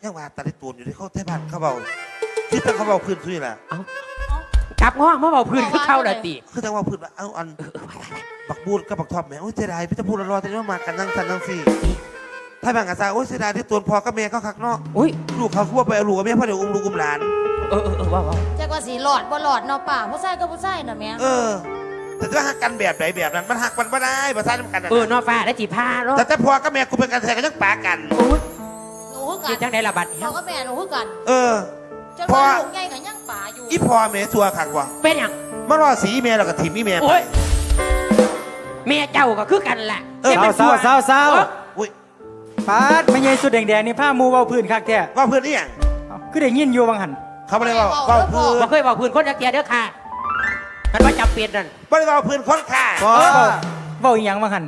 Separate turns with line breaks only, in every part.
ยังว่าตาได้ตูนอยู่ที่เขาไทยบ้านเขาเบาคือแต่เขาเบาพื้นซุยแหละ
กลับง้อมาเบาพื้นคือเข้าละตี
คือแต่ว่าพื้นว่าเอาอันบักบูดกับบักทอมแม่โอ้ยเสียดายพี่จะพูดรอแต่ว่ามากันนั่งสันนั่งสี่ไทยบ้านกับซาโอ้ยเสียดายที่ตูนพอกับแม่เขาคักเนาะ
อุ้ย
ลูกเขาคือว่าไปเอาลูกกับแม่เพราะเดี๋ยวลูกหลาน
ว้าว
จักว่าสีหลอดบ่หลอดเนาะป่าผู้ชายก็ผู้ชายน่ะแม่
แต่จะหักกันแบบไหนแบบนั้นมันหักมันไม่ได้ภาษาทำกัน
นอฟ้าได้จีผ้าเนาะ
แต่พอกับแม่กูเป็นกันแทนกันยังปากัน
อุ้ย
หนูคือกั
จี
น
จังได้ละบัด
พ่อกับแม่หนูคือกัน จน
พอ
ว่าลูกใหญ่กับยังป่าอยู่
อีพอแม่ตัวขักว่ะ
เป็นอย่าง
มารอสีแม่แล้วก็ถิ่มอีแม่ไป
โอ้ยแม่เจ้าก็คือกันแหละ
เศร้า
อุ้ย
ปาดไม่ใช่สุดแดงๆนี่ผ้ามูเบาพื้นคักแท้
ว่าเพื่อนนี่อย่าง
คือได้ยินอยู่บางหัน
เขาไม่ได้ว่าเพื่อน
บ่เคยบอกพื้นคนจักเกียเด้อค่ะมันว่าจำเป็นนั่น
ไม่ได้ว่าเพื่อนคนค่ะ
พ่อ
เบาอีหยังบางหัน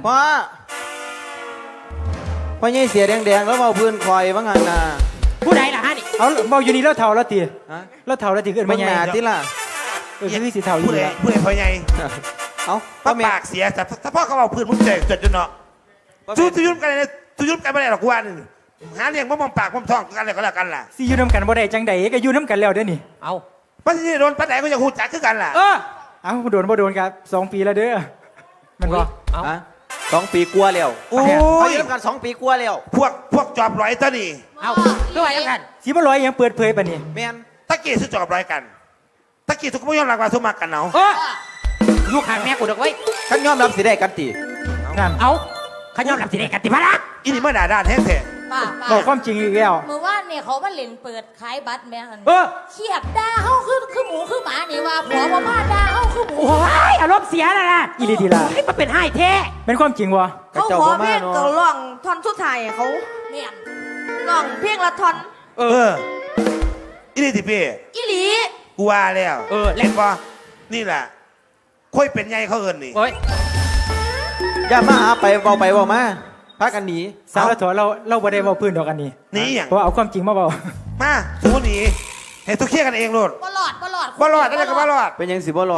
พ่อใหญ่เสียแดงๆแล้วเบาพื้นคอยบ้างหันน่ะ
ผู้ใดล่ะฮะนี่
เอาเบาอยู่นี่แล้วเท่าแล้วตี
ฮะ
แล้วเท่าแล้วตีเกิน
เบิ่
ไม่
ง
ให
ห
ญ่
น้าติล่ะ
คือสีเท่าอยู่
ผู้ใด
แล้ว
ผู้ใดพอไง
เอ้า
ป้า
แม่
ปากเสียแต่ถ้าพ่อเขาเอาเพื่อนมึงเจ็บจดจนเนาะสู้ทุยุ่มกันเลยทุยุ่มกันไม่ได้หรอกวันหาเลี้ยงมองปากมองท้องกันเลยก็แล้วกันล่ะ
สิอยู่น้ำกันบ่ได้จังใดก็อยู่น้ำกันแล้วเด้อนี่
เอา
ป้าที่โดนป้าไหนก็ยังหูจักคือกันล่ะ
เอ้าบ่โดนครับ2 ปีแล้วเด้อมันบ่
เอา
ฮะ2 ปีกลัวาแล้ว
โอ้
เขา
ย
อยู่กัน2 ปีกลัวาแล้ว
พวกจอบร้อยตัวนี่
เอาคือว่าอย่างนั้น
สิบ่ร้อยยังเปิดเผยปานนี้
แม่น
ตะกี้ซื้อจอบร้อยกันตะกี้ทุกคนไม่ยอมรับว่าสมัครกันเนาะ
ลูกข้างแม่กูดอกไว้
ขันยอมรับสิได้กันติ
นั่น
เอาขยอมรับสิได้กันติพะละ
อีนี่เมื่อด่าด้านแท้
ป้า
บอกความจริงอีกแล้ว
เมื่อวานเนี่ยเขามาเล่นเปิดขายบัตรแม่หัน
เ
เขียดด่าเฮาคือหมูคือหมานี่ว่าผัวบ่มาด่าเฮาคือหมู
โอ้ยอารมณ์เสียแล้วล่ะ
อีหลีดีล่ะ
นี่มันเป็นไห้แท้
เป็นความจริงบ่
เขาขอเพลงก็ร้องท่อนสุดท้ายเขา
แม่น
ร้องเพลงละท่อน
อีนี่ที่พี่
อีหลี
กูว่าแล้ว
เล่
เห็
น
นป่ะนี่แหละค่อยเป็นไงเขาเอินนี่
โอ้ย
อย่ามาหาไปเบามาพากันหนี
สาวละถอเราบ่ได้เว้าพื้นดอกอันนี้
นี่อย่าง
เพราะเอาความจริงมาเว้า
มาสู้หนีให้ทุกเคลียร์กันเองโลด
บ่หลอด
บ่รอดอะไรก็บ่รอด
เป็นยังสิบ่รอ